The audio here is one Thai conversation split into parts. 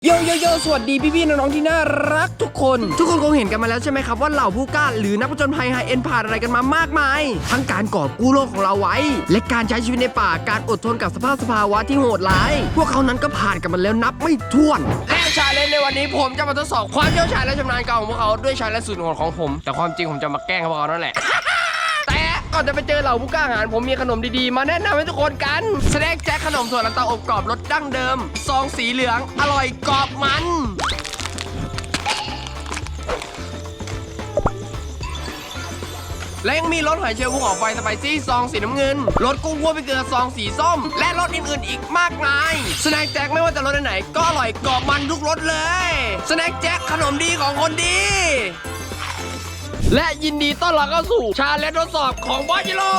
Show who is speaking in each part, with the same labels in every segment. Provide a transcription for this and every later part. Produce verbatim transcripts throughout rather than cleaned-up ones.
Speaker 1: โยโยโยสวัสดีพี่ๆน้องๆที่น่ารักทุกคนทุกคนคงเห็นกันมาแล้วใช่ไหมครับว่าเหล่าผู้กล้าหรือนักผจญภัยไฮเอ็นผ่านอะไรกันมามากมายทั้งการกอบกู้โลกของเราไว้และการใช้ชีวิตในป่าการอดทนกับสภาพสภาวะที่โหดร้ายพวกเขานั้นก็ผ่านกันมาแล้วนับไม่ถ้วนและชาเลนจ์ในวันนี้ผมจะมาทดสอบความเชี่ยวชาญและชำนาญการของพวกเขาด้วยชาเลนจ์สุดโหดของผมแต่ความจริงผมจะมาแกล้งพวกเขานั่นแหละ แต่ก่อนจะไปเจอเหล่าผู้กล้าหาญผมมีขนมดีๆมาแนะนำให้ทุกคนกันสแน็คแจ็คขนมถั่วลันเตาอบกรอบรสดั้งเดิมซองสีเหลืองอร่อยกรอบมันและยังมีรสหอยเชลล์ภูเขาไฟสไปซี่ซองสีน้ำเงินรสกุ้งคั่วพริกเกลือซองสีส้มและรสอื่นๆอีกมากมายสแน็คแจ็คไม่ว่าจะรสไหนก็อร่อยกรอบมันทุกรสเลยสแน็คแจ็คขนมดีของคนดีและยินดีต้อนรับเข้าสู่ชาเลนจ์ทดสอบของบอสจิโร่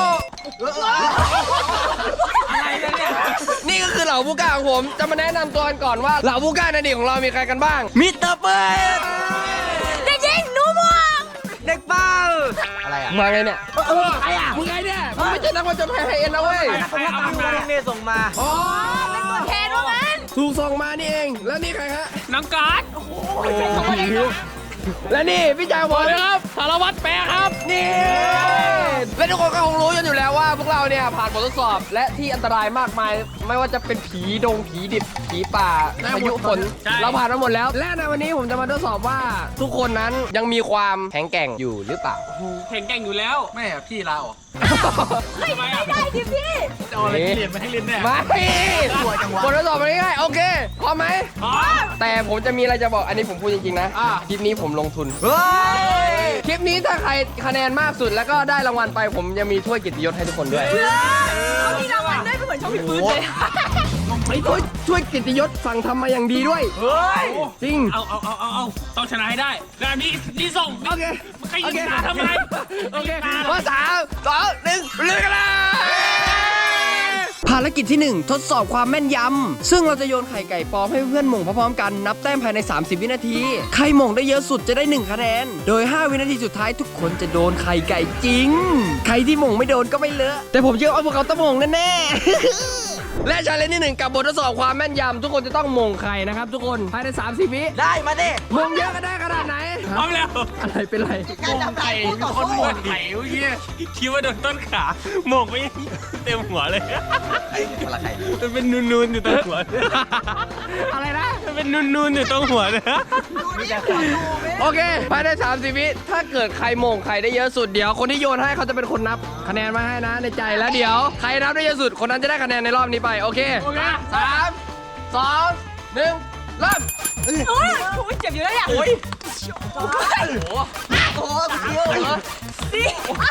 Speaker 1: อะไรเนี่ยนี่ก็คือเหล่าผู้กล้าของผมจะมาแนะนำตัวกันก่อนว่าเหล่าผู้กล้าในอดีตของเรามีใครกันบ้างมิสเตอร์เปิด
Speaker 2: เด็กหญิงหนูม่วง
Speaker 1: เด็กเป้าอะไรอ่ะมาไงเนี่ย
Speaker 2: เออใครอ่ะ
Speaker 1: มึงไงเนี่ยมึงไม่ใช่นักผจญภัยไฮเอ็นนะเว้ย
Speaker 2: ใครเอามาเมย์ส่งมาอ๋อเป็นตัวแทนว่างั้น
Speaker 1: ถูกส่งมานี่เองแล้วนี่ใครฮะ
Speaker 2: น้องการ์ดโอ้โหเป็นตัวเอง
Speaker 1: และนี่พี่ชายผม
Speaker 2: ครับสารวัตรแปะครับ
Speaker 1: นี่และทุกคนก็คงรู้กันอยู่แล้วว่าพวกเราเนี่ยผ่านบททดสอบและที่อันตรายมากมายไม่ว่าจะเป็นผีดงผีดิบผีป่าพายุฝนเราผ่านมาหมดแล้วและในวันนี้ผมจะมาทดสอบว่าทุกคนนั้นยังมีความแข็งแกร่งอยู่หรือเปล่า
Speaker 2: แข็งแกร่งอยู่แล้ว
Speaker 3: แม่พี่เรา
Speaker 2: ไม่ได้ดิพี่
Speaker 3: จะเอาอะไรเรียนมาให้เรียนแน่
Speaker 1: ไม่บททดสอบมันง่ายโอเคพร้อมไหม
Speaker 2: พร้อม
Speaker 1: แต่ผมจะมีอะไรจะบอกอันนี้ผมพูดจริงๆนะคลิปนี้ผมลงทุนคลิปนี้ถ้าใครคะแนนมากสุดแล้วก็ได้รางวัลไปผมจะมีถ้วยเกียรติยศให้ทุกคนด้วย
Speaker 2: เขามีรางวัลได้เป็นเหมือนช่องพิพื้นเลย
Speaker 1: ไอ้ถ้วยถ้วยเกียรติยศสั่งทำมาอย่างดีด้วย
Speaker 2: เฮ้ย
Speaker 1: จริง
Speaker 2: เอาเอาเอาเอาต้องชนะให้ได้แบบนี้นี่ส่ง
Speaker 1: โอเค
Speaker 2: ใครยิงตาทำไม
Speaker 1: โอเคมาสามสองหนึ่งเลือกกันเลยภารกิจที่หนึ่งทดสอบความแม่นยำซึ่งเราจะโยนไข่ไก่ปลอมให้เพื่อนหม่งพร้อมๆกันนับแต้มภายในสามสิบวินาทีใครหม่งได้เยอะสุดจะได้หนึ่งคะแนนโดยห้าวินาทีสุดท้ายทุกคนจะโดนไข่ไก่จริงใครที่หม่งไม่โดนก็ไม่เลอะแต่ผมเชื่อว่าพวกเขาต้องหม่งแน่ๆและชาเลนจ์ที่หนึ่งกับบททดสอบความแม่นยำทุกคนจะต้องหม่งไข่นะครับทุกคนภายในสามสิบวิ
Speaker 3: ได้มาดิ
Speaker 1: หม่งเยอะก็ได้ขนาดไหน
Speaker 2: พร้อมแล้ว
Speaker 1: อะไรเป็นไร
Speaker 2: หม่งไข่คนหม่งไข่เมื่อกี้คิดว่าโดนต้นขาหม่งไม่เต็มหัวเลย
Speaker 3: อะไรไข่
Speaker 2: มันเป็นนูนๆอยู่ตรงหัว
Speaker 1: อะไรนะ
Speaker 2: มันเป็นนูนๆอยู่ตรงหัวเลย
Speaker 1: โอเคภายในสามสิบวิถ้าเกิดใครโมงใครได้เยอะสุดเดี๋ยวคนที่โยนให้เขาจะเป็นคนนับคะแนนมาให้นะในใจแล้วเดี๋ยวใครนับได้เยอะสุดคนนั้นจะได้คะแนนในรอบนี้ไปโอเคสามสองหนึ่งเริ่ม
Speaker 2: โอ้ยโอ้ยเจ็บอยู่แล้วเนี่ยโอ้ยโอ้ย
Speaker 1: โอ้ยเดียวเหรอ
Speaker 2: สิ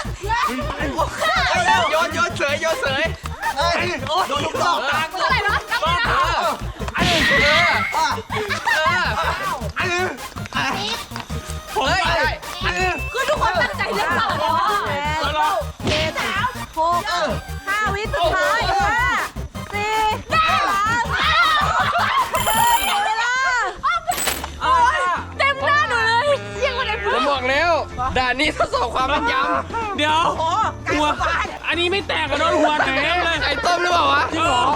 Speaker 1: โยนโยนเฉยโยนเฉย
Speaker 3: โดนลูกดอกตา
Speaker 2: เท่าไหร่นะนับไม่ได้
Speaker 1: ผมได้
Speaker 2: คือทุกคนตั้งใจเล่นต่อเลยเทสามหกห้าวิสุดท้ายห้าสี่สามเวลาเต็มหน้าหนูเลยยังไม่ได้พูด
Speaker 1: ผมบอกแล้วด่านนี้ทดสอบความแม่นยำ
Speaker 2: เดี๋ยวหัวอันนี้ไม่แตกกระโดนหัวแตกเลย
Speaker 1: ไข่ต้มหรือเปล่าวะ
Speaker 2: จริงเหรอ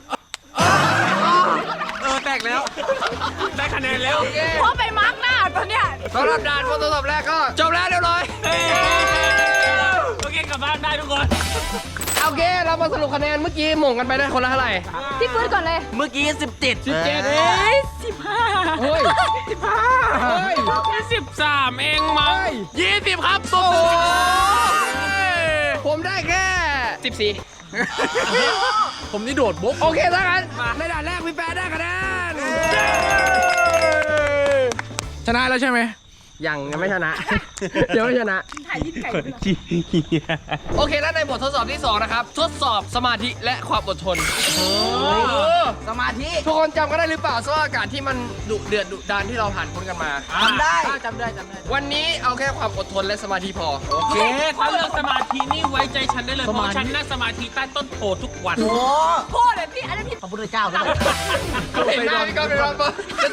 Speaker 2: เออแตกแล้วได้คะแนนแล้วเพราะไปมาร์กหน้าตอนเนี้ย
Speaker 1: สำหรับด่านทดสอบแรกก็จบแล้วเรียบร้อย
Speaker 2: โอเคกลับบ้านได้ทุกคน
Speaker 1: โอเคเรามาสรุปคะแนนเมื่อกี้หม่งกันไปได้คนละเท่าไหร่
Speaker 2: ที่ฟื้นก่อนเลย
Speaker 3: เมื่อกี้สิบเจ็ด
Speaker 1: สิบเจ็ด
Speaker 2: เฮ้ยสิบห้า
Speaker 1: เฮ้ย
Speaker 2: สิบห้าเฮ้ยสิบสามเองมั้งยี่สิบครับโอ้
Speaker 1: ผมได้แค่สิบสี่
Speaker 3: ผมนี่โดดบุ๊ก
Speaker 1: โอเคถ้างั้นในด่านแรกพี่แป๊ะได้คะแนน
Speaker 3: ชนะแล้วใช่ไหม
Speaker 1: ยังยังไม่ชนะเดี๋ยวไม่ชนะ
Speaker 2: ถ่ายยิ้มไก่
Speaker 1: โอเคแล้วในบททดสอบที่สองนะครับทดสอบสมาธิและความอดทน
Speaker 3: สมาธิ
Speaker 1: ทุกคนจำกันได้หรือเปล่าสภาพอากาศที่มันดุเดือดดุดันที่เราผ่านพ้นกันมา
Speaker 3: จำได้
Speaker 2: จำได้จำได้
Speaker 1: วันนี้เอาแค่ความอดทนและสมาธิพอ
Speaker 2: โอเคถ้าเรื่องสมาธินี่ไว้ใจฉันได้เลยเพราะฉันนั่งสมาธิใต้ต้นโพทุกวัน
Speaker 3: โอ้
Speaker 2: โพเลยพี่อันนี้พี่
Speaker 3: พระพุทธเจ้าเลย
Speaker 1: เห็นหน้าพี่ก้องเป็นรอบจะพอสิทธ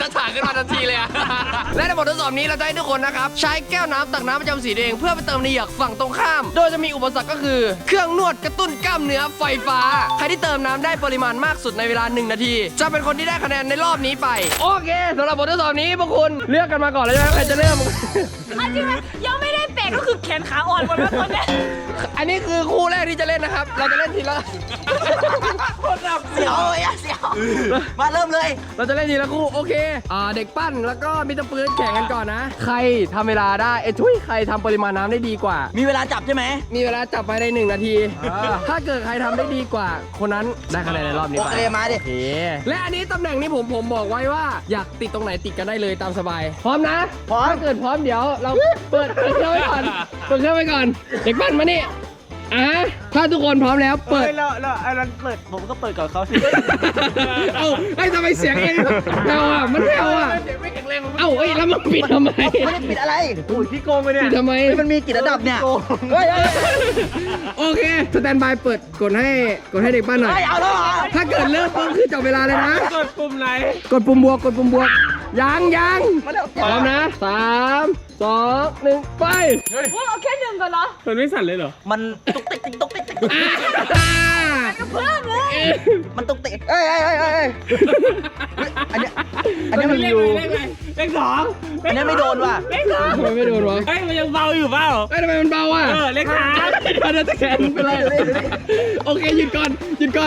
Speaker 1: ถานขึ้นมาทันทีเลยอะ และในบททดสอบนี้เราจะให้ทุกคนนะครับใช้แก้วน้ำตักน้ำประจำสีตัวเองเพื่อไปเติมในเหยือกฝั่งตรงข้าม โดยจะมีอุปสรรคก็คือเครื่องนวดกระตุ้นกล้ามเนื้อไฟฟ้าใครที่เติมน้ำได้ปริมาณมากสุดในเวลาหนึ่งนาทีจะเป็นคนที่ได้คะแนนในรอบนี้ไปโอเคสำหรับบททดสอบนี้พวกคุณเลือกกันมาก่อนแล้วใช่ไหมใครจะเริ่ม
Speaker 2: เอาจริงไหมยังไม่ได้เตะก็คือแขนขาอ่อนหมดแล้วตอนเนี้ย
Speaker 1: อันนี้คือคู่แรกที่จะเล่นนะครับเราจะเล่นทีละ
Speaker 3: เสียวเลยอะเสียว มาเริ่มเลย
Speaker 1: เราจะเล่นทีละคู่โอเคอ่าเด็กปั้นแล้วก็มิสเตอร์ปืนแข่งกันก่อนนะ ใครทำเวลาได้เอ้ยทุยใครทำปริมาณน้ำได้ดีกว่า
Speaker 3: มีเวลาจับใช่ไหม
Speaker 1: มีเวลาจับภายในหนึ่งนาที ถ้าเกิดใครทำได้ดีกว่า คนนั้นได้คะแนนในรอบนี้
Speaker 3: โอ
Speaker 1: ไป
Speaker 3: เคมาดิ
Speaker 1: โอเคและอันนี้ตำแหน่งนี้ผมผมบอกไว้ว่าอยากติดตรงไหนติดกันได้เลยตามสบาย พร้อมนะ
Speaker 3: พร้อม
Speaker 1: ถ้าเกิดพร้อมเดี๋ยวเราเปิดเปิดเครื่องไว้ก่อนเปิดเครื่องไว้ก่อน เด็กปั้นมานี่อ่ะถ้าทุกคนพร้อมแล้วเปิด
Speaker 4: แล้วแล้วไอ้นั้นเปิดผมก็เปิดก่อนเขาสิ
Speaker 1: เอ้าไอ้ทำไมเสียงเองแผ่วอ่ะมันแผ่วอ่ะเอ้าเอ้ยแล้วมันปิดทำไม
Speaker 3: ไม่ได้ปิดอะไร
Speaker 4: โอ้ยพี่โกงไปเนี่ย
Speaker 1: ปิดทำไม
Speaker 3: เฮ้ยมันมีกี่ระดับเนี่ยเฮ้ยเฮ้ย
Speaker 1: โอเคสแตนบายเปิดกดให้กดให้เด็กปั้นหน่อย
Speaker 3: เฮ้ยเอาแล้วเหรอ
Speaker 1: ถ้าเกิดเริ่มปุ๊บคือจับเวลาเลยนะ
Speaker 4: กดปุ่มไหน
Speaker 1: กดปุ่มบวกกดปุ่มบวกยังยัง
Speaker 3: มาแล้ว
Speaker 1: พร้อมนะสามสองหนึ่งไป
Speaker 2: ว่าเอาแค่หนึ่งก่อนเหรอ
Speaker 4: มันไม่สั่นเลยเหรอ
Speaker 3: มันตุ๊กติ๊กติ๊กตุ๊กติ๊กติ๊ก
Speaker 1: อ่า
Speaker 2: เพิ่มเลย
Speaker 3: มันตุ๊กติ๊กเอ้ยเอ้ยเอ้ยเอ้ยอันเนี้ยอันเนี้ยมัน
Speaker 4: เล
Speaker 3: อ
Speaker 4: ข
Speaker 3: ยู่
Speaker 4: อะไรเลขอะไรเลขสอง
Speaker 3: อันเนี้ยไม่โดนว่ะ
Speaker 4: เลขสอง
Speaker 1: ทำไมไม่โดนวะ
Speaker 4: เฮ้ยมันยังเบาอยู่เปล่า
Speaker 1: เอ้ยทำไมมันเบาอ่ะ
Speaker 4: เออเลขสาม
Speaker 1: เดี๋ยวจะแขนเป็นไรโอเคหยุดก่อนหยุดก่อน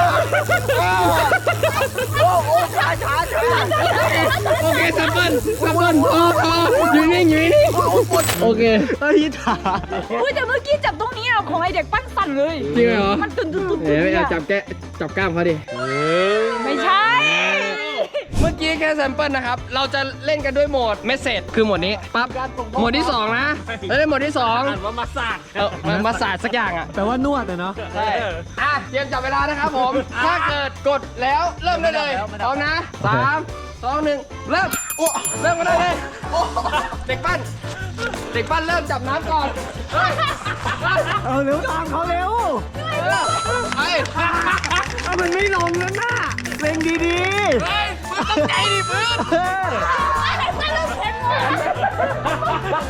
Speaker 3: โอ้โอ้ช้าช้าช้า
Speaker 1: โอเคซัมเปิลซัมเปิลโอ้โอ้อยู่นิ่งอยู่นิ่งโอเค
Speaker 3: เฮ้ยถา
Speaker 2: อุ้ยแต่เมื่อกี้จับตรงนี้อะของไอเด็กปั้นสั่นเลย
Speaker 1: จริงเหรอ
Speaker 2: มันตุนตุนตุน
Speaker 1: เดี๋ยวเอาจับแกะจับกล้ามเขาดิ
Speaker 2: ไม่ใช่
Speaker 1: เมื่อกี้แค่แซมเปิลนะครับ เราจะเล่นกันด้วยโหมดเมสเซจคือโหมดนี้ ปั๊บ โหมดที่สองนะแล้วเล่นโหมดที่สอง
Speaker 4: อ่านว่ามาสาด
Speaker 1: เออมันมาศาสตร์สักอย่างอ่ะ
Speaker 4: แปลว่านวดอะเนาะ
Speaker 1: ใช่อ่ะ เตรียมจับเวลานะครับผม ถ้าเกิดกดแล้วเริ่มได้เลยพร้อมนะสามสองหนึ่งเริ่มโอ้เริ่มกันได้เลยโอ้เด็กปั้น เด็กปั้นเริ่มจับน้ำก่อน เฮ้ย
Speaker 4: เอาเร็วตามเขาเร็ว
Speaker 1: เฮ้ย
Speaker 4: มันไม่ลงแล้วน่ะเร่งดี
Speaker 1: เฮ้ยมึงต้องใจดิพื้น
Speaker 4: ๆเออ
Speaker 2: ไอเด็กปั้นเริ่มเข็นหมด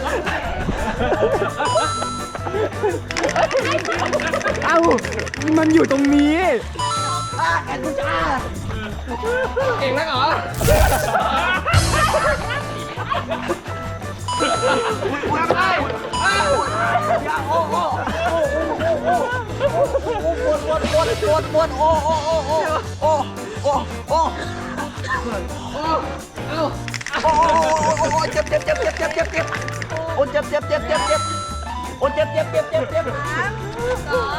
Speaker 4: เอ้ามันอยู่ตรงนี้
Speaker 3: อ่ะแอนกูจ้า
Speaker 1: เก่งนักเหรอ ทำได้อ้าว
Speaker 3: โอ้โอ้ปวดปวดปวดปวดปวดโอ้โอ้โอ้โอ้โอ้โอ้โอ้
Speaker 1: โอ้เอ้า
Speaker 3: โอ้โอ้เจ็บเจ็บเจ็บเจ็บเจ็บเจ็บเจ็บโอ้เจ็บเจ็บเจ็บเจ็บเจ็บโอ้เจ็บเจ็บเจ็บเจ็บเจ็บ
Speaker 2: สอง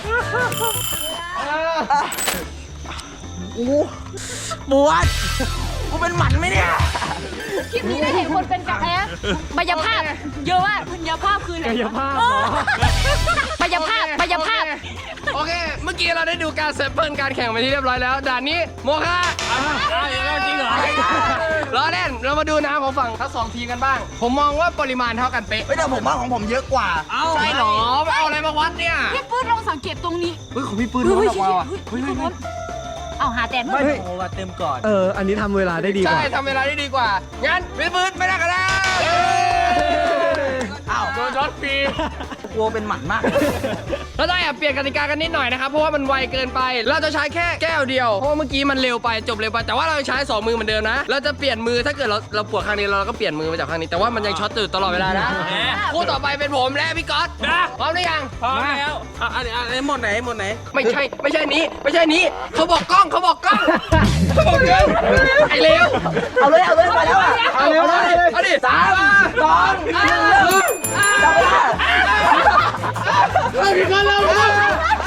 Speaker 3: อู้ปวดกูเป็นหมันไหมเนี่ย
Speaker 2: คลิปนี้ได้เห็นคนเป็นกระแอะบรรยภาพ เยอะมากบรรยภาพคืออะไร
Speaker 4: กายภาพ
Speaker 2: เออบรรยภาพบรรยภาพ
Speaker 1: โอเค เมื่อกี้เราได้ดูการแซมเปิลการแข่งไปที่เรียบร้อยแล้ว ด่านนี้โมฆะ
Speaker 4: อ้าวจริงเหรอ
Speaker 1: ล้อเล่น เรามาดูน้ำของฝั่งทั้งสองทีมกันบ้าง ผมมองว่าปริมาณเท่ากันเป๊ะ
Speaker 3: ไม่แต่ผมว่าของผมเยอะกว่า
Speaker 1: ใช่เหรอไม่เอาอะไรมาวัดเนี่ย
Speaker 2: พี่ปื้ดลองสังเกตตรงนี้
Speaker 3: เฮ้ยของพี่ปืน
Speaker 2: เฮ้
Speaker 3: น้
Speaker 2: ย
Speaker 3: อยกว่าว่ะ
Speaker 2: เฮ้ยเฮ้ยเฮ้ยเอาหาแตน
Speaker 4: ไม่
Speaker 2: เพิ่ม
Speaker 4: โอ้ว่าเต็มก่อน เออ อันนี้ทำเวลาได้ดีก
Speaker 1: ใช่
Speaker 4: ว่า
Speaker 1: ทำเวลาได้ดีกว่า งั้นวิปืนไม่ได้กันแล้ว
Speaker 3: อ้าว
Speaker 1: โดนช็อตฟรี
Speaker 3: กลัวเป็นหมันมาก
Speaker 1: เราต้องแอบเปลี่ยนกติกากันนิดหน่อยนะครับ เพราะว่ามันไวเกินไป เราจะใช้แค่แก้วเดียว เพราะว่าเมื่อกี้มันเร็วไปจบเร็วไป แต่ว่าเราใช้สองมือเหมือนเดิมนะ เราจะเปลี่ยนมือถ้าเกิดเราเราปวดข้างนี้เราก็เปลี่ยนมือไปจากข้างนี้ แต่ว่ามันยังช็อตตื่นตลอดเวลานะคู่ต่อไปเป็นผมและพี่ก๊อตพร้อมหรือยัง
Speaker 4: พร้อมแล้วอ่ะอันนี้อันนี้หมดไหนหมดไหน
Speaker 1: ไม่ใช่ไม่ใช่นี้ไม่ใช่นี้เขาบอกกล้องเขาบอกกล้องเขาบอกกล้องไอ้เลว
Speaker 3: เอาเลยเอาเลยไปแล้วอ่ะ
Speaker 1: เอาเร็วเลยเอาดิสามสองหนึ่งจับเวลาเอาพี่ก๊อตเร็วเร็ว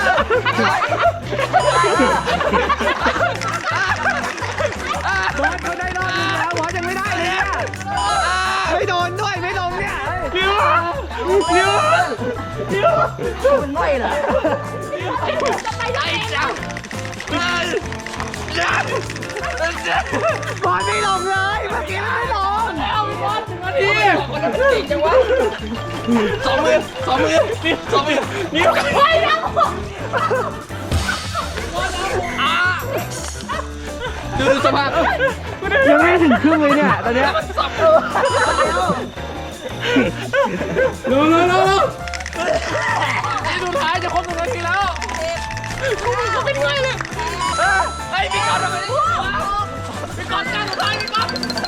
Speaker 4: บอสเขาได้รอบนึงแล้วบอสยังไม่ได้เลยเนี่ยไม่โดนด้วยไม่ลงเนี่ยเร็วเร็วเร็ว
Speaker 3: เป็นง่อยเหรอ
Speaker 1: ไอ้เจ้า
Speaker 4: บอสไม่ลงเลยเมื่อกี้ไม่ลง
Speaker 1: นี่คนนั้นเก่งจังวะสองมือสองมือสองมือนิ้วไปแล้วดูดูสภาพ
Speaker 4: กูยังไม่ถึงครึ่งเลยเนี่ยตอนเนี้ยเร็วเร็วเร็วเร็ว
Speaker 1: นี่สุดท้ายจะครบหนึ่งนาทีแล้วเขาเป็นไงเลยไอ้พี่กอนทำไมพี่กอนการสุดท้ายพี่กอน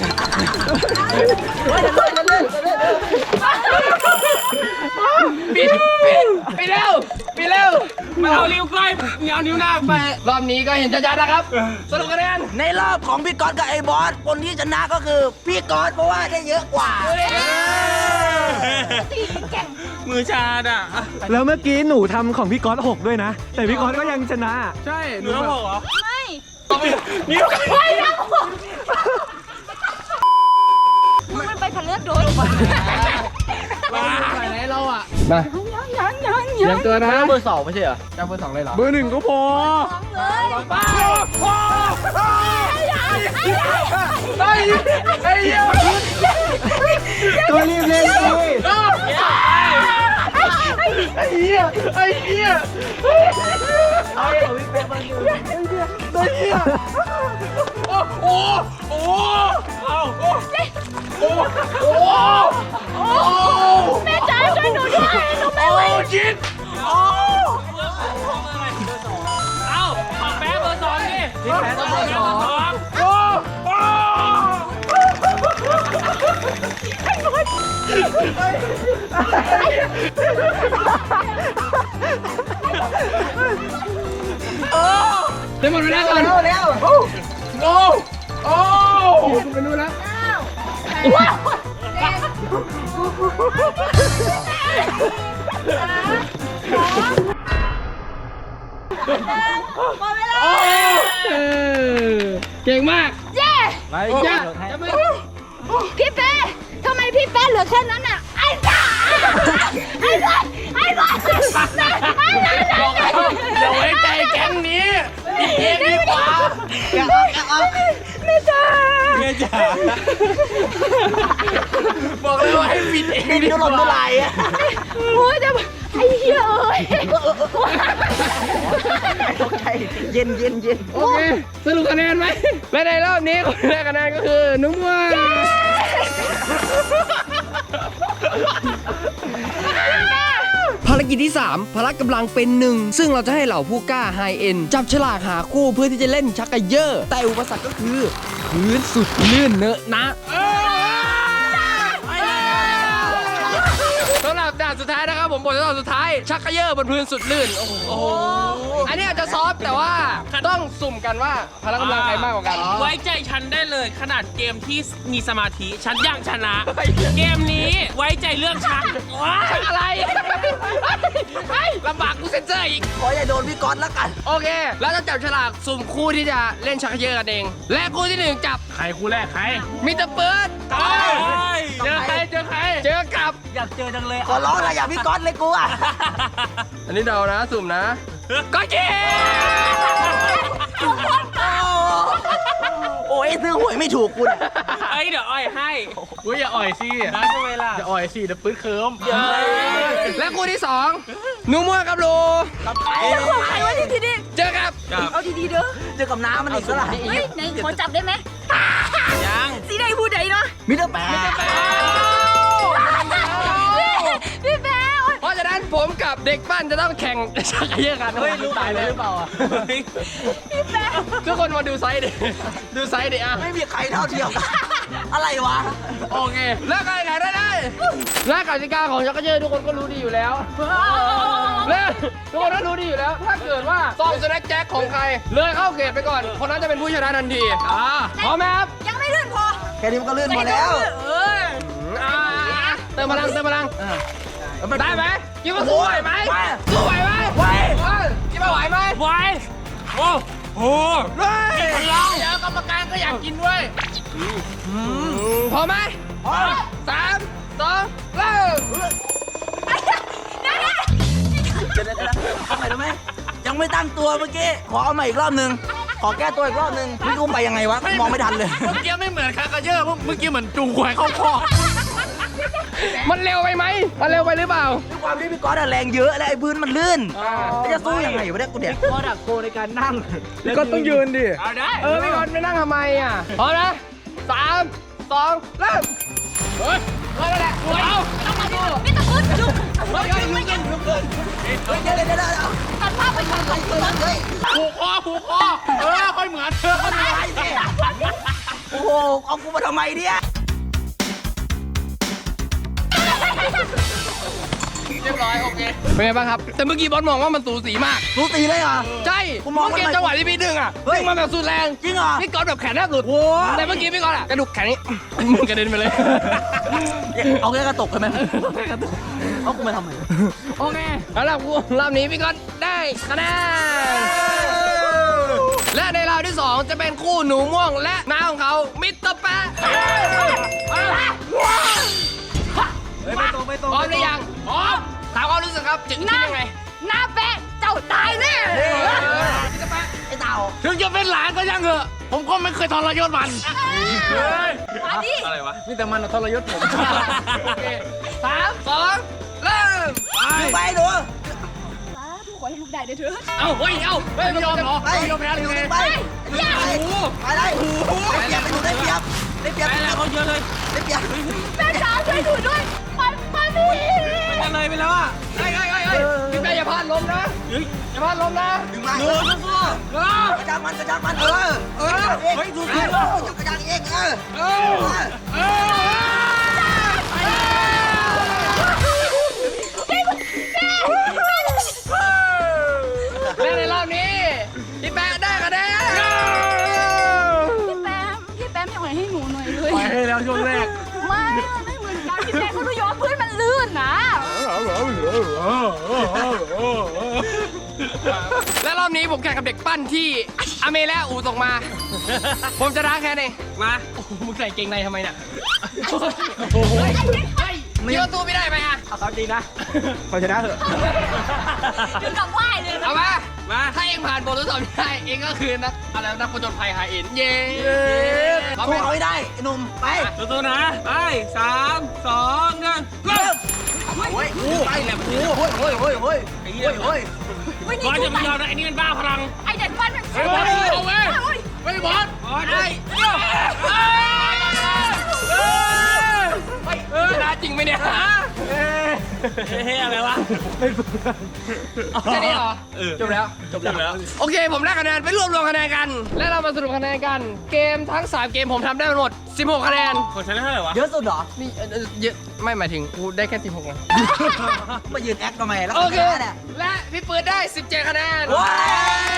Speaker 1: ปิดปิดปิดเร็วปิดเร็วมาเอานิ้วก้อยเอานิ้วหน้าไปรอบนี้ก็เห็นชัดๆนะครับสรุปคะแนน
Speaker 3: ในรอบของพี่ก๊อตกับไอ้บอสคนที่ชนะก็คือพี่ก๊อตเพราะว่าได้เยอะกว่า
Speaker 5: มือชาดอ่ะ
Speaker 4: แล้วเมื่อกี้หนูทำของพี่ก๊อตหกด้วยนะ แต่พี่ก๊อตก็ยังชนะ
Speaker 1: ใช่
Speaker 5: หนูต้องบอกเหรอ
Speaker 2: ไม่
Speaker 5: นิ้ว
Speaker 2: ไม่นะมึงมันไปพันเลือดโดน
Speaker 1: ไปไหนเราอ่ะ
Speaker 2: ยังยังยัง
Speaker 1: เตรียมตัวนะ
Speaker 3: เบอร์สองไม่ใช่เหรอ
Speaker 1: จะเบอร์สองเลยเหรอ
Speaker 4: เบอร์หนึ่งก็พอ
Speaker 2: เลย
Speaker 1: ไอ้ไอ้เหี้ย
Speaker 4: ตัวรีบเล่นสิ
Speaker 1: ไอ้เหี้ยไอ้เหี้ย
Speaker 3: เอาเดี๋ยวพี่เป๊ะมาดู
Speaker 1: ไอ้เหี้ยโอ้โหโอ้เอาโอ้โอ้โอ้โอ้
Speaker 2: แม่จ๋าช่วยหนูด้วยหนูไม่
Speaker 1: โอ้
Speaker 2: ไหว
Speaker 1: จิตโอ้
Speaker 5: เอ้าของแป๊ะเบอร์สองดิ
Speaker 3: พี่แป๊ะต้องเบอร์สอง
Speaker 1: โอ้โอ้ได้หมดเวลาก่อน
Speaker 3: เร็วเร็ว
Speaker 1: โอ้โอ้คุณไปนู่นแล้ว
Speaker 2: หมดเวลา
Speaker 1: เออเก่งมาก
Speaker 2: เย้
Speaker 3: ไป
Speaker 1: จ้ะ
Speaker 3: จะไม่
Speaker 2: พี่เป้ทำไมพี่เป้เหลือแค่นั้นอ่ะไอ้จ๋าไอ้บอลไอ้บอลไอ้บอล
Speaker 1: บอกแล้วอย่าไว้ใจแก๊งนี้อีกเองดีกว่า
Speaker 3: แกะออกแกะออก
Speaker 2: แม่จ๋า
Speaker 5: เมียจ๋า
Speaker 1: บอกเลยว่าให้ปิดเองดี
Speaker 3: จะ
Speaker 1: ก
Speaker 3: หล่นเมื่อไห
Speaker 1: ว่า
Speaker 3: ร่อะ
Speaker 2: โอ้ยแต่ไอ้เหี้ยเอ้ย
Speaker 3: ตกใจเย็นเย็นเย็น
Speaker 1: โอเคสรุปคะแนนไหมและในรอบนี้คนได้คะแนนก็คือนุ่มม่วงภารกิจที่ สาม พละกำลังเป็นหนึ่งซึ่งเราจะให้เหล่าผู้กล้าไฮเอ็นจับฉลากหาคู่เพื่อที่จะเล่นชักกระเยอะแต่อุปสรรคก็คือพื้นสุดลื่นเนอะนะสำหรับด่านสุดท้ายนะครับผมบททดสอบสุดท้ายชักกระเยอะบนพื้นสุดลื่นโอ้โหอันนี้อาจจะซอฟต์แต่ว่าต้องสุ่มกันว่าพละกำลังใครมากกว่ากัน
Speaker 5: ไว้ใจฉันได้เลยขนาดเกมที่มีสมาธิฉันยังชนะ เกมนี้ไว้ใจเรื่องชักว้า
Speaker 1: ชักอะไรเฮ้ยลำบากกูเซ็นเซอร์อีก
Speaker 3: ขออย่าโดนพี่ก๊อตแล้วกัน
Speaker 1: โอเคเราจะจับฉลากสุ่มคู่ที่จะเล่นชักกระเยอะกันเอง และคู่ที่หนึ่งจับ
Speaker 5: ใครคู่แรกใคร
Speaker 1: มิสเตอร์เปิร์ด
Speaker 5: เจอใครเจอใคร
Speaker 1: เจอกับ
Speaker 5: อยากเจอจังเลย
Speaker 3: ขอร้องอะไรอย่าพี่ก๊อตเลยกูอ่ะ
Speaker 1: อันนี้เดานะสุ่มนะก็เจ
Speaker 3: โอ้ยซื้อหวยไม่ถูกคุณ
Speaker 5: เอ้ยเดี๋ยวอ่อยให้
Speaker 4: อุ้ยอย่าอ่อยสิ
Speaker 5: นะทำไมล่ะ
Speaker 4: อย่าอ่อยสิเดี๋ยวปื้ดเคิม
Speaker 1: และคู่ที่สองหนูมั่วกับโล
Speaker 2: ไอ้ของใครวะที่ที่นี่
Speaker 1: เจอกับ
Speaker 2: เอาดีๆเด้อ
Speaker 3: เจอกับน้ำมันอีกแล้วล่ะ
Speaker 2: เฮ้ยไหนขอจับได้ไหม
Speaker 5: ยัง
Speaker 2: สีใดผู้ใดเนาะ
Speaker 3: มิสเตอร์แป๊ะ
Speaker 2: พี่แป๊ะ
Speaker 1: เพราะฉะนั้นผมกับเด็กปั้นจะต้องแข่งชักกระเยอะกัน
Speaker 5: เฮ้ยรู้ตายเลยหรือเปล่าอ่ะ
Speaker 1: ทุกคนมาดูไซส์ดิดูไซส์ดิอ่ะ
Speaker 3: ไม่มีใครเท่าเทียมกันอะไรวะ
Speaker 1: โอเคแล้วการแข่งได้เลยและกติกาของชักกระเยอะทุกคนก็รู้ดีอยู่แล้วและทุกคนก็รู้ดีอยู่แล้ว ถ้าเกิดว่าซองสแน็คแจ็คของใครเลยเข้าเขตไปก่อน คนนั้นจะเป็นผู้ชนะทันทีอ่าพร้อมไหมครับ
Speaker 2: ยังไม่ลื่นพอ
Speaker 3: แค่นี้มันก็เลื่อนหมดแล้ว
Speaker 2: เออ
Speaker 1: อ่าเติมพลังเติมพลัง
Speaker 3: เออ
Speaker 1: ได้ไหมคิดว่าสู้ไหวไหมสู้ไหวไหมไหวคิดว่าไหวไหม
Speaker 5: ไว้โอ้โห
Speaker 1: เฮ้ยเดี๋ยวกรรมการก็อยากกินด้วยพร้อมไหมพร้อมสามสองเริ่ม
Speaker 3: เดี๋ยวเดี๋ยวเดี๋ยวทำไมรู้ไหมยังไม่ตั้งตัวเมื่อกี้ ขอเอาใหม่อีกรอบหนึง ขอแก้ตัวอีกรอบหนึงพี่อุ้มไปยังไงวะ มองไม่ทันเลย
Speaker 5: เมื่อกี้ไม่เหมือนคากาเยอะเมื่อกี้เหมือนจูงควายเข้าคอก
Speaker 1: มันเร็วไปไหมมันเร็วไปหรือเปล่า
Speaker 3: ด้วยความที่พี่ก๊อตอะแรงเยอะและไอ้พื้นมันลื่นแล้วจะสู้ยังไงวะเนี่ยกูเด็ก
Speaker 4: ก็ต้องยืนดิ
Speaker 5: เอาได้
Speaker 1: เออพี่กอนไปนั่งทำไมอ่ะพร้อมนะสามสองเริ่มเฮ้ยเฮ้ยนั่นแหละเอา
Speaker 2: ไม่ต้องพูดจุ๊บ
Speaker 1: เฮ้ยเฮ้ยลุกขึ้นลุกขึ้น
Speaker 3: เฮ้ยเดี๋ยวเดี๋ยวเดี๋ยวเดี๋ยว
Speaker 2: ตัดภาพไปก่อนเลยเฮ้ย
Speaker 5: ผูกคอผูกคอเออค่อยเหมือนเธอ
Speaker 3: โอ้โหเอากูมาทำไมเนี่ย
Speaker 1: เรียบร้อยโอเคเป็นไงบ้างครับแต่เมื่อกี้บอสมองว่ามันสูสีมาก
Speaker 3: รู้ตีเลยเหรอ
Speaker 1: ใช่
Speaker 3: ผมมอง
Speaker 1: เมื่อกี้
Speaker 3: ว่ามัน
Speaker 1: จังหวะที่พี่ดึงอ่ะ
Speaker 3: เฮ้ย
Speaker 1: ดึงมาแบบสุดแรง
Speaker 3: จริงเหรอ
Speaker 1: พี่ก๊อตแบบแขนแทบหลุด
Speaker 3: โอ้
Speaker 1: แต่เมื่อกี้พี่ก๊อตอ่ะกระดูกแขนนี้ มึงกระเด็นไปเลย
Speaker 3: เอาแค่กระตกใช่ไหมเอาแค่กระตกเอากูมาทำไม
Speaker 1: โอเคแล้วรอบรอบนี้พี่ก๊อตได้คะแนนและในราวที่สองจะเป็นคู่หนูม่วงและน้าของเขามิสเตอร์แปะ
Speaker 4: เฮ้ยไม่ตรงไม่ตรง
Speaker 1: พร้อมหรือยังพร้อมถามความรู้สึกครับจึงคิดยังไง
Speaker 2: หน้าแปะเจ้าตายแน่
Speaker 1: มิสเตอร์แปะ
Speaker 3: ไอ้เต่า
Speaker 5: ถึงจะเป็นหลานก็ยังเหอะผมก็ไม่เคยทรยศมัน
Speaker 2: มาดิ
Speaker 5: อะไรวะ
Speaker 4: มีแต่มันอะทรยศผม
Speaker 1: โอเคสามสองเริ่ม
Speaker 3: ดูไปดู
Speaker 2: ทุกคนให้ลูกได้ด้วยเถอะ
Speaker 1: เอาเฮ้ยเอาเฮ้ยไม่ยอมเหรอ
Speaker 3: ไป
Speaker 1: ไม่ยอมแพ้หรือไง
Speaker 3: ไปไปได้ไปได้ไปดูได้เปรียบได้เปรียบ
Speaker 5: ไปแล้วเขาเยอะเลย
Speaker 3: ได้เปรียบ
Speaker 2: แม่จ๋าช่วยหนูด้วยมันมันนี่
Speaker 5: มันเลยไปแล้วอ่ะ
Speaker 1: เฮ้ยเฮ้ยเฮ้ยเฮ้ยพี่แม่อย่าพลาดล้มนะอย่าพลาดล้มนะ
Speaker 3: ดึงมา
Speaker 5: ดูสู้
Speaker 1: เออก
Speaker 3: ระจังมันกระจังมันเออเออเฮ้ยดูสิกระจังเองเออเออ
Speaker 1: เออและในรอบนี้พี่แป๊ะได้คะแนน
Speaker 2: พี่แปมพี่แปมยังไงให้หนูหน่อยเลย
Speaker 4: ไปให้แล้วช่วงแรก
Speaker 2: ไม่มันไม่เหมือนกันพี่แปมเขาดูย้อนพื้นมันลื่นนะ
Speaker 1: และรอบนี้ผมแข่งกับเด็กปั้นที่อเมและอูส่งมา ผมจะท้าแค่นี้
Speaker 5: มา
Speaker 1: โอ้โหมึงใส่เกงในทำไมเนี่ยโอ้โหเฮ้ยเยอะตู้ไม่ได้ไหมอะ
Speaker 4: เอาเขาจริงนะเขาชนะเถอะ
Speaker 2: ถึงกับไหว้เลยนะ
Speaker 1: เอามา
Speaker 5: มา
Speaker 1: ถ้าเองผ่านบททดสอบนี้ได้เองก็คือนักอะไรนักผจญภัยไฮเอ็นเย้พร้อมไหม
Speaker 3: สู้เขาให้ได้ไอ้หนุ่มไป
Speaker 5: สู้ๆนะไปสามสองหนึ่งเริ่ม
Speaker 3: โอ้ยไปแหลมโอ้ยโอ้ยโอ้ยโอ้ย
Speaker 5: ไอ้เหี้ย
Speaker 3: โอ้ย
Speaker 2: ไม่นี่
Speaker 5: บอล
Speaker 2: ดู
Speaker 5: จะ
Speaker 2: ไป
Speaker 5: ไม่ยอมนะไอ้นี่เป็นบ้าพลัง
Speaker 2: ไอเด็กปั้นมัน
Speaker 5: เฮ้ยบอลเอาเว้ย
Speaker 2: โอ้ย
Speaker 5: ไม่บอลบอลได้
Speaker 1: ชนะจริงไหมเนี่ย
Speaker 5: เฮ้ยอะไรวะ
Speaker 1: แค่นี้เหรอจบแล้ว
Speaker 5: จบแล้ว
Speaker 1: โอเค ผมได้คะแนนไปรวบรวมคะแนนกัน และเรามาสรุปคะแนนกัน เกมทั้งสามเกมผมทำได้หมดสิบหกคะแนน
Speaker 5: ของฉันได้เท่าไหร่วะ
Speaker 3: เยอะสุดเหรอ
Speaker 1: นี่เอ่อเอ่อเยอะไม่หมายถึงกูได้แค่สิบหกนะ
Speaker 3: มายืนแอคทำไมแล้ว
Speaker 1: โอเค
Speaker 3: เนี่ย
Speaker 1: และพี่ปืนได้สิบเจ็ดคะแนน
Speaker 3: ว้าว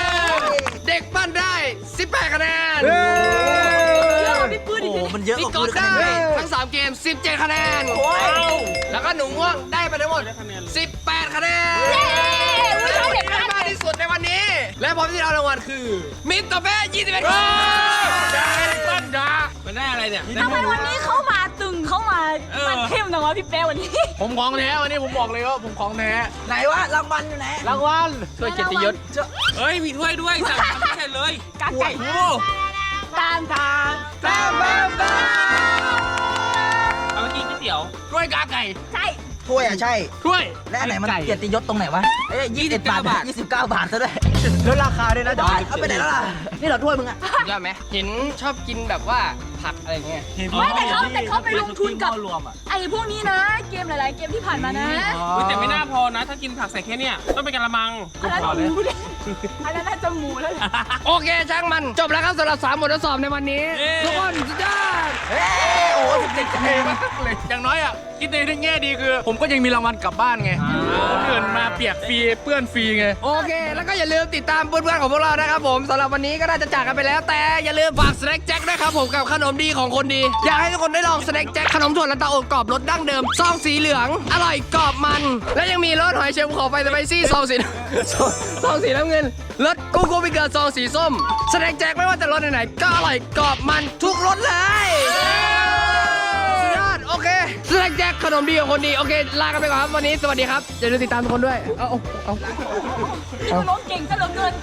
Speaker 1: เด็กปั้นได้สิบแปดคะแนน
Speaker 2: เยอะกว่าพี่ปืนอี
Speaker 3: โอ้
Speaker 2: ก
Speaker 3: โหมันเยอะ
Speaker 1: พี่
Speaker 3: กว่า
Speaker 1: ก๊อต
Speaker 3: กู
Speaker 1: ได้
Speaker 3: เลย
Speaker 1: ทั้งสามเกมสิบเจ็ดคะแนน
Speaker 3: โอ้ย
Speaker 1: แล้วก็หนูม่วงได้ไปทั้งหมดสิบแปดคะแนน
Speaker 2: เย้อุ้ยเอาเด็ก
Speaker 1: ได้
Speaker 2: ปั้น
Speaker 1: มากที่สุดในวันนี้ และพร้อมที่เรารางวัลคือ มิสเตอร์แป๊ะยี่สิบเอ็ดคะแนน
Speaker 5: ปั้นดามันได้อะไรเนี่ย
Speaker 2: ทำไมวันนี้เข้ามาตึงเข้ามา
Speaker 5: เออ
Speaker 2: มันเข้มจังวะพี่แป๊วันนี้
Speaker 4: ผมของแท้วันนี้ผมบอกเลยว่าผมของแท้
Speaker 3: ไหนวะรางวัลอยู่ไหน
Speaker 4: รางวัล
Speaker 1: ช่วยเกียรติยศ
Speaker 5: เฮ้ยมีถ้วยด้วยสั่งทำไม่ใช่เลย
Speaker 2: กาไก่
Speaker 5: โอ้
Speaker 2: ตามทาง
Speaker 1: แป๊ะแป๊ะแป๊ะ
Speaker 5: เอามากินก๋วยเตี๋ยว
Speaker 1: ด้วยกาไก่
Speaker 2: ใช่
Speaker 3: ถ้วยอ่ะใช่
Speaker 1: ถ้วย
Speaker 3: และอันไหนมันเกียรติยศตรงไหนวะเอ้ยยี่สิบบาท
Speaker 5: บาท
Speaker 3: ยี่สิบเก้าบาทซะด้วย
Speaker 4: ลดราคาด้วยนะ
Speaker 3: บาทเอาไปไหนแล้วล่ะ นี่เราถ้วยมึงอ่ะ
Speaker 1: ยอดไหมเห็นชอบกินแบบว่าผักอะไรเงี้ย
Speaker 2: ไม่แต่เขาแต่เขาไปลงทุนกับ
Speaker 4: รวมอ่ะ
Speaker 2: ไอ้พวกนี้นะ เกมหลาย ๆ เกมที่ผ่านมานะ
Speaker 5: เฮ้ยแต่ไม่น่าพอนะ ถ้ากินผักใส่แค่เนี้ยต้องเป็นกะละมัง
Speaker 2: อันนั้นหมูเลยอันนั้นน่าจะหมูแล้วแหละ
Speaker 1: โอเคช่างมันจบแล้วครับสำหรับสามบททดสอบในวันนี้
Speaker 5: เย้
Speaker 1: ทุกคนสุดยอด
Speaker 3: เฮ้ยโอ้โหสิบเจ็ดคะแนน
Speaker 4: อย่างน้อยอ่ะคิดในแง่ดีคือ ผมก็ยังมีรางวัลกลับบ้านไงคนอื่นมาเปียกฟรีเปื้อนฟรีไง
Speaker 1: โอเค แล้วก็อย่าลืมติดตามเพื่อนๆของพวกเรานะครับผมสำหรับวันนี้ก็น่าจะจากกันไปแล้ว แต่อย่าลืมฝากสแน็คแจ็คด้วยครับผมกับขนมดีของคนดี อยากให้ทุกคนได้ลองสแน็คแจ็คขนมถั่วลันเตาอบกรอบรสดั้งเดิมซองสีเหลือง อร่อยกรอบมัน และยังมีรสหอยเชลล์ขอไฟสไปซี่ซองสี ซองสีน้ำเงินรสกูกูบิเกอร์ซองสีส้มสแน็คแจ็คไม่ว่าจะรสไหนๆก็อร่อยกรอบมันทุกรสเลยสุดยอดโอเคสแน็คแจ็คขนมดีของคนดีโอเคลากันไปก่อนครับวันนี้สวัสดีครับอย่าลืมติดตามทุกคนด้วยเอาเอาเอา
Speaker 2: พี่มันร้องเก่งซะเหลือเกิน